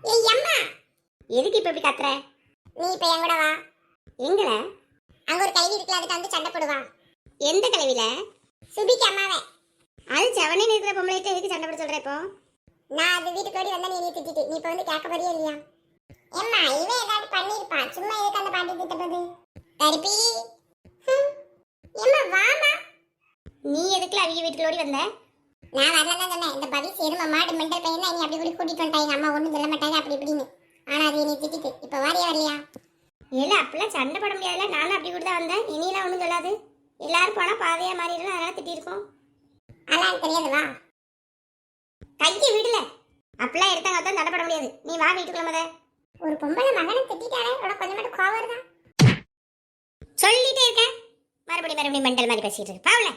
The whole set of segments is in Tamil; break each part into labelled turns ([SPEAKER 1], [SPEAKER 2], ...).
[SPEAKER 1] ஏய் அம்மா, எதுக்கு இப்ப இப்படி கத்துற? நீ இப்ப என் கூட வா. எங்கல? அங்க ஒரு கழுவி இருக்குல, அதுக்கு வந்து சண்டை போடுவா. எந்த கழுவில? சுபிக்கு அம்மாவே. அது செவனே இருக்கிற பொம்பளைட்ட எதுக்கு சண்டை போட சொல்ற இப்போ? நான் அது வீட்டுக்கு ஓடி வந்தா நீ திட்டிட்டு நீ இப்ப வந்து கேட்க போறியா இல்லையா? ஏம்மா, இவன் ஏதாவது பண்ணிருப்பான், சும்மா எதுக்கு அந்த பாட்டி திட்டப்பது? கருப்பி, ஏம்மா வாமா. நீ எதுக்குல அவங்க வீட்டுக்கு ஓடி வந்த? நான் வரலாம் தான் சொன்னேன். இந்த பவி சேருமா மாடு மெண்டல் பையன் தான், நீ அப்படி கூட கூட்டிட்டு வந்துட்டாங்க. அம்மா ஒன்றும் சொல்ல மாட்டாங்க அப்படி இப்படின்னு. ஆனா அது நீ திட்டிட்டு இப்போ வாரியா வரலையா? இல்லை அப்படிலாம் சண்டை போட முடியாதுல்ல. நானும் அப்படி கூட தான் வந்தேன். இனியெல்லாம் ஒன்றும் சொல்லாது. எல்லாரும் போனால் பாதையா மாறிடலாம், அதனால திட்டிருக்கோம். அதெல்லாம் தெரியாது, வா. கையை விடல. அப்படிலாம் எடுத்தாங்க தான் சண்டை போட முடியாது. நீ வா வீட்டுக்குள்ள முத. ஒரு பொம்பளை மகனை திட்டாலே உனக்கு கொஞ்சம் மட்டும் கோவம் வருதா? சொல்லிட்டே இருக்கேன். மறுபடியும் மெண்டல் மாதிரி பேசிட்டு இருக்கு. பாவல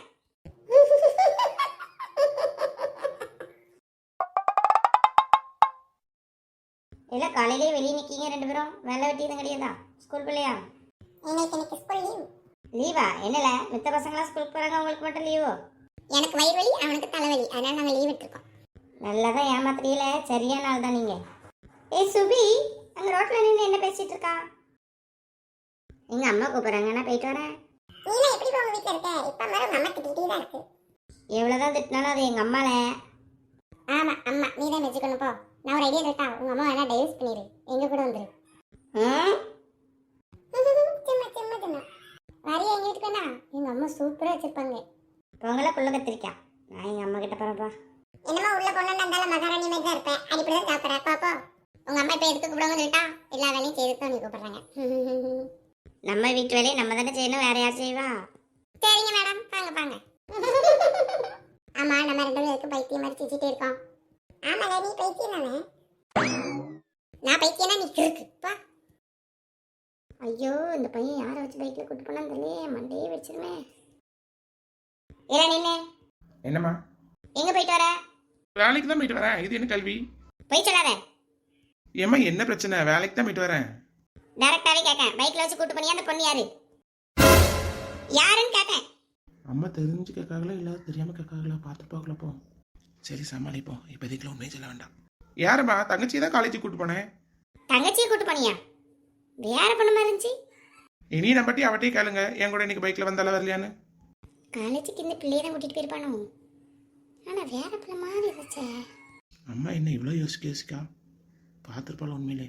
[SPEAKER 1] இல்ல காலையிலே வெளியே நிக்கீங்க ரெண்டு பேரும். வேலை வெட்டி எதுவும் கிடையாதா? ஸ்கூல் பிள்ளையா? எனக்கு ஸ்கூல் லீவ். லீவா? என்னல மித்த பசங்களாம் ஸ்கூலுக்கு போறாங்க, உங்களுக்கு மட்டும் லீவோ? எனக்கு வயிறு வலி, அவனுக்கு தலைவலி, அதனால நாங்க லீவ் எடுத்துருக்கோம். நல்லதான் ஏமாத்துறீல, சரியான நாள் தான் நீங்க. ஏய் சுபி, அங்க ரோட்ல நின்று என்ன பேசிட்டு இருக்கா? எங்க அம்மா கூப்பிடுறாங்க, நான் போயிட்டு வரேன். நீ எப்படி உங்க வீட்டுல இருக்க? இப்ப மேல அம்மா திட்டிட்டே தான் இருக்கு. எவ்வளவுதான் திட்டினாலும் அது எங்க அம்மால. ஆமா அம்மா, நீ தான் வச்சுக்கணும். போ, நான் ஒரு ஐடியா இருக்கா. உங்க அம்மா வேணா டைவர்ஸ் பண்ணிடு, எங்க கூட வந்துரு. சும்மா சும்மா சும்மா வரையா எங்க வீட்டுக்குண்ணா. எங்க அம்மா சூப்பரா வச்சிருப்பாங்க. பொங்கலை புள்ள கத்திரிக்கா. நான் எங்க அம்மா கிட்ட போறப்பா. என்னமா உள்ள பொண்ணு இருந்தாலும் மகாராணி மாதிரி தான் இருப்பேன். அடிப்படிதான் சாப்பிட்ற பாப்போ. உங்க அம்மா இப்ப எதுக்கு கூப்பிடுவாங்க சொல்லிட்டா? எல்லா வேலையும் செய்துதான் நீ கூப்பிடுறாங்க. நம்ம வீட்டு வேலையை நம்ம தானே செய்யணும், வேற யார் செய்வா? சரிங்க மேடம், பாங்க பாங்க. ஆமா, நம்ம ரெண்டு பேரும் எதுக்கு பைத்தியம் மாதிரி சிரிச்சிட்டே இருக்கோம்? ஆமால, நீ பைத்தியம் தானே. நான் பைத்தியம்னா நீ இருக்குப்பா. ஐயோ, இந்த பையன் யாரை வச்சு பைக்ல கூட்டு போனான்னு தெரியலையே, மண்டையே வச்சிருவேன். ஏடா நின்னு.
[SPEAKER 2] என்னம்மா?
[SPEAKER 1] எங்க போயிட்டு வர?
[SPEAKER 2] வேலைக்கு தான் போயிட்டு வரேன். இது என்ன கல்வி?
[SPEAKER 1] போய் சொல்லாத.
[SPEAKER 2] ஏம்மா என்ன பிரச்சனை? வேலைக்கு தான் போயிட்டு வரேன்.
[SPEAKER 1] டைரக்டாவே கேட்கேன். பைக்ல வச்சு கூட்டு போனியா? அந்த பொண்ணு யாரு? யாருன்னு கேட்டேன்.
[SPEAKER 2] அம்மா தெரிஞ்சு கேட்காங்களா இல்ல தெரியாம கேட்காங்களா பார்த்து பார்க்கலாம். போ, சரி சமாளிப்போம். இப்போதைக்குள்ள உண்மையை சொல்ல வேண்டாம். யாரம்மா? தங்கச்சி தான் காலேஜுக்கு கூட்டு போனேன்.
[SPEAKER 1] தங்கச்சியை கூட்டு போனியா? வேற பொண்ணு மாதிரி இருந்துச்சு.
[SPEAKER 2] இனி நம்பட்டி அவட்டையே கேளுங்க, என் கூட இன்னைக்கு பைக்ல வந்தால வரலையான்னு.
[SPEAKER 1] காலேஜுக்கு இந்த பிள்ளையை தான் கூட்டிட்டு போயிருப்பானோ? ஆனா வேற பிள்ளை மாதிரி இருந்துச்சே.
[SPEAKER 2] அம்மா என்ன இவ்வளோ யோசிக்கா பார்த்துருப்பாள் உண்மையிலே.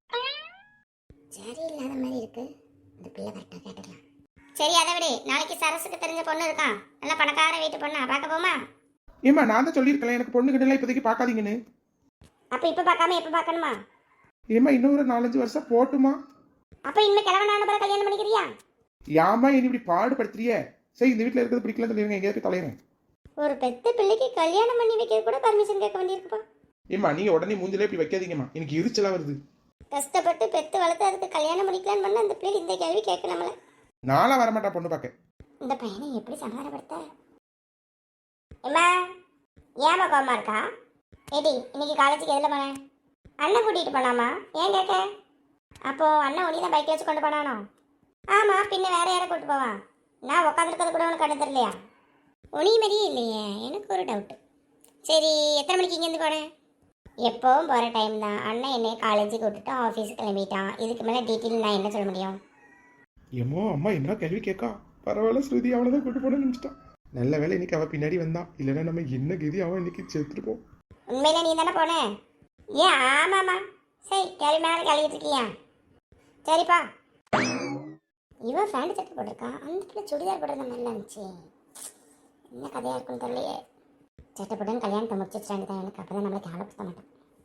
[SPEAKER 1] சரி இல்லாத மாதிரி இருக்கு. இந்த பிள்ளை கரெக்டா கேட்டுக்கலாம். சரி அதை விட, நாளைக்கு சரசுக்கு தெரிஞ்ச பொண்ணு இருக்கான், நல்லா பணக்கார வீட்டு பொண்ணா, பார்க்க போமா?
[SPEAKER 2] ஏம்மா நான் தான் சொல்லியிருக்கேன் எனக்கு பொண்ணு கிட்ட இப்போதைக்கு பார்க்காதீங்கன்னு.
[SPEAKER 1] அப்ப இப்ப பார்க்காம எப்ப பார்க்கணுமா?
[SPEAKER 2] ஏம்மா இன்னும் ஒரு 4-5 வருஷம் போட்டுமா?
[SPEAKER 1] அப்ப இனிமே கிழவனான பிறகு கல்யாணம் பண்ணிக்கிறியா?
[SPEAKER 2] யாமா இனி இப்படி பாடுபடுத்துறிய? சரி இந்த வீட்டில் இருக்கிறது பிடிக்கல சொல்லிடுங்க, எங்கேயாவது தலையிறேன்.
[SPEAKER 1] ஒரு பெத்த பிள்ளைக்கு கல்யாணம் பண்ணி வைக்க கூட பர்மிஷன் கேட்க வேண்டியிருக்குப்பா.
[SPEAKER 2] ஏம்மா நீங்க உடனே மூஞ்சிலே இப்படி வைக்காதீங்கம்மா, எனக்கு எரிச்சலா வருது.
[SPEAKER 1] கஷ்டப்பட்டு பெத்து வளர்த்து அதுக்கு கல்யாணம் பண்ணிக்கலான்னு பண்ண அந்த பிள்ளை இந்த கேள்வி கேட்க நம்மள.
[SPEAKER 2] நாளா வரமாட்டா பொண்ணு பார்க்க.
[SPEAKER 1] இந்த பையனை எப்படி சமாதானப்படுத்த? ஏமா ஏமா கோமா இருக்கா? ஏடி இன்னைக்கு காலேஜுக்கு எதில் போனேன்? அண்ணன் கூட்டிகிட்டு போனாமா? ஏன் கேட்க? அப்போ அண்ணன் உனி தான் பைக் வச்சு கொண்டு போனானோ? ஆமாம், பின்ன வேற யாரை கூப்பிட்டு போவான்? நான் உட்காந்துருக்கிறது கூட உனக்கு கண்டு தெரியலையா? உனி மாதிரியே இல்லையே, எனக்கு ஒரு டவுட்டு. சரி எத்தனை மணிக்கு இங்கேருந்து போனேன்? எப்போவும் போகிற டைம் தான். அண்ணன் என்னை காலேஜுக்கு விட்டுட்டு ஆஃபீஸுக்கு கிளம்பிட்டான். இதுக்கு மேலே டீட்டெயில் நான் என்ன சொல்ல முடியும்?
[SPEAKER 2] ஏமோ அம்மா என்ன கேள்வி கேட்கா? பரவாயில்ல ஸ்ருதி அவளை தான் கூட்டு போன நினைச்சிட்டான். நல்ல வேலை இன்னைக்கு அவள் பின்னாடி வந்தான், இல்லைன்னா நம்ம என்ன கதி அவன் இன்னைக்கு செத்துருப்போம்.
[SPEAKER 1] உண்மையில நீ தானே போன? ஏன் ஆமாம்மா. சரி கேள்வி மேலே கழுவிட்டு இருக்கியா? சரிப்பா. இவன் ஃபேண்ட் சட்டை போட்டிருக்கா, அந்த பிள்ளை சுடிதார் போடுறது நல்லா இருந்துச்சு. என்ன கதையாக இருக்குன்னு தெரியலையே. சட்டை போட்டு கல்யாணத்தை முடிச்சு வச்சுட்டாங்க தான், எனக்கு அப்போ தான் நம்மளுக்கு ஆலோசிக்க மாட்டேன்.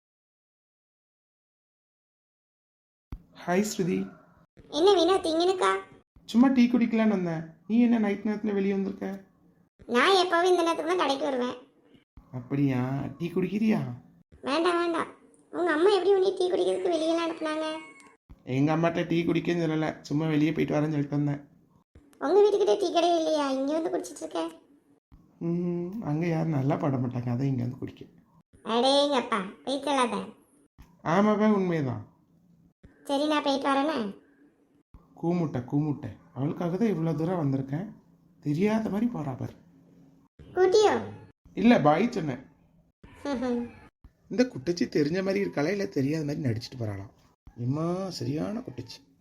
[SPEAKER 2] ஹாய் ஸ்ருதி.
[SPEAKER 1] என்ன வீணா திங்கினுக்கா?
[SPEAKER 2] சும்மா டீ குடிக்கலான்னு வந்தேன். நீ என்ன நைட் நேரத்தில் வெளியே வந்திருக்க?
[SPEAKER 1] நான் எப்போவும் இந்த நேரத்துக்கு தான் கடைக்கு வருவேன்.
[SPEAKER 2] அப்படியா? டீ குடிக்கிறியா?
[SPEAKER 1] வேண்டாம் வேண்டாம். உங்கள் அம்மா எப்படி உனி டீ குடிக்கிறதுக்கு வெளியெல்லாம் அனுப்புனாங்க?
[SPEAKER 2] எங்கள் அம்மாட்ட டீ குடிக்கன்னு சொல்லலை, சும்மா வெளியே போயிட்டு வரேன்னு சொல்லிட்டு வந்தேன்.
[SPEAKER 1] உங்கள் வீட்டுக்கிட்ட டீ கடை இல்லையா? இங்கே வந்து குடிச்சிட்டு இருக்கேன்.
[SPEAKER 2] அங்கே யாரும் நல்லா பாட மாட்டாங்க, அதை இங்கே வந்து குடிக்க.
[SPEAKER 1] அடேங்கப்பா, போய் சொல்லாத.
[SPEAKER 2] ஆமாப்பா உண்மைதான்.
[SPEAKER 1] சரி நான் போயிட்டு வரேனே.
[SPEAKER 2] கூமுட்டை அவளுக்காக தான் இவ்வளோ தூரம் வந்திருக்கேன், தெரியாத மாதிரி போறா பாரு.
[SPEAKER 1] கூட்டியோ?
[SPEAKER 2] இல்லை பாய் சொன்னேன். இந்த குட்டச்சி தெரிஞ்ச மாதிரி இருக்காளா இல்லை தெரியாத மாதிரி நடிச்சிட்டு போகிறாளாம். எம்மா சரியான குட்டச்சி.